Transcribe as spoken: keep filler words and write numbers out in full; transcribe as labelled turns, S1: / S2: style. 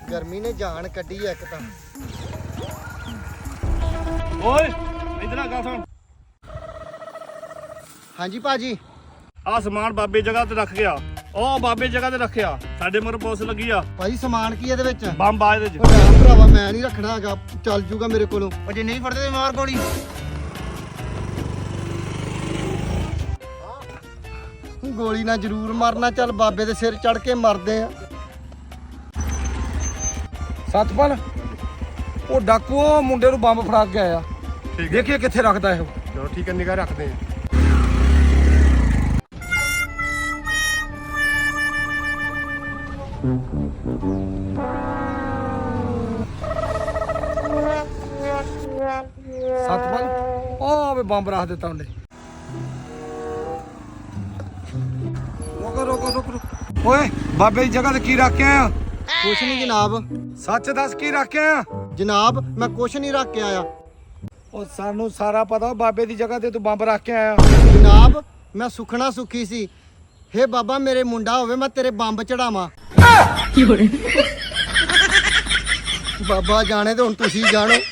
S1: ਗਰਮੀ ਨੇ ਜਾਨ ਕੱਢੀ ਆ ਇੱਕ ਤਾਂ।
S2: ਓਏ ਇਧਰ ਆ ਗੱਲ ਸੁਣ।
S1: ਹਾਂਜੀ ਭਾਜੀ।
S2: ਆ ਸਮਾਨ ਬਾਬੇ ਜਗ੍ਹਾ ਤੇ ਰੱਖ ਗਿਆ। ਉਹ ਬਾਬੇ ਜਗ੍ਹਾ ਤੇ ਰੱਖਿਆ। ਸਾਡੇ ਮਗਰ ਪੁਲਿਸ ਲੱਗੀ ਆ।
S1: ਭਾਜੀ ਸਮਾਨ ਕੀ ਇਹਦੇ ਵਿੱਚ?
S2: ਬੰਬ ਆ ਇਹਦੇ ਚ।
S1: ਉਹ ਨਾ ਭਰਾਵਾ ਮੈਂ ਨਹੀਂ ਰੱਖਣਾ ਹੈਗਾ, ਚੱਲ ਜੂਗਾ ਮੇਰੇ ਕੋਲੋਂ।
S3: ਉਹ ਜੇ ਨਹੀਂ ਫੜਦੇ ਤੇ ਮਾਰ ਗੋਲੀ।
S1: ਗੋਲੀ ਨਾਲ ਜ਼ਰੂਰ ਮਰਨਾ, ਚੱਲ ਬਾਬੇ ਦੇ ਸਿਰ ਚੜ ਕੇ ਮਰਦੇ ਆ।
S4: ਸਤਪਾਲ ਉਹ ਡਾਕੂ ਉਹ ਮੁੰਡੇ ਨੂੰ ਬੰਬ ਫੜਾ ਕੇ ਆਇਆ। ਦੇਖੀਏ ਕਿੱਥੇ ਰੱਖਦਾ ਇਹ।
S5: ਚਲੋ ਠੀਕ ਹੈ, ਨਿਗਾਹ ਰੱਖਦੇ ਆ।
S4: ਸਤਪਾਲ ਉਹ ਵੇ ਬੰਬ ਰੱਖ ਦਿੱਤਾ ਉਹਨੇ। ਰੋਕੋ ਰੋਕੋ ਰੋਕੋ ਰੋਕੋ। ਓਏ ਬਾਬੇ ਦੀ ਜਗ੍ਹਾ ਤੇ ਕੀ ਰੱਖ ਕੇ ਆਇਆ?
S1: ਕੁਛ ਨਹੀਂ ਜਨਾਬ।
S4: ਸੱਚ ਦੱਸ ਕੀ ਰੱਖ ਕੇ ਆਇਆ?
S1: ਜਨਾਬ ਮੈਂ ਕੁਛ ਨਹੀਂ ਰੱਖ ਕੇ ਆਇਆ।
S4: ਉਹ ਸਾਨੂੰ ਸਾਰਾ ਪਤਾ, ਬਾਬੇ ਦੀ ਜਗ੍ਹਾ ਤੇ ਤੂੰ ਬੰਬ ਰੱਖ ਕੇ ਆਇਆ।
S1: ਜਨਾਬ ਮੈਂ ਸੁਖਣਾ ਸੁਖੀ ਸੀ, ਹੇ ਬਾਬਾ ਮੇਰੇ ਮੁੰਡਾ ਹੋਵੇ ਮੈਂ ਤੇਰੇ ਬੰਬ ਚੜਾਵਾਂ। ਬਾਬਾ ਜਾਣੇ ਤੇ ਹੁਣ ਤੁਸੀਂ ਜਾਣੋ।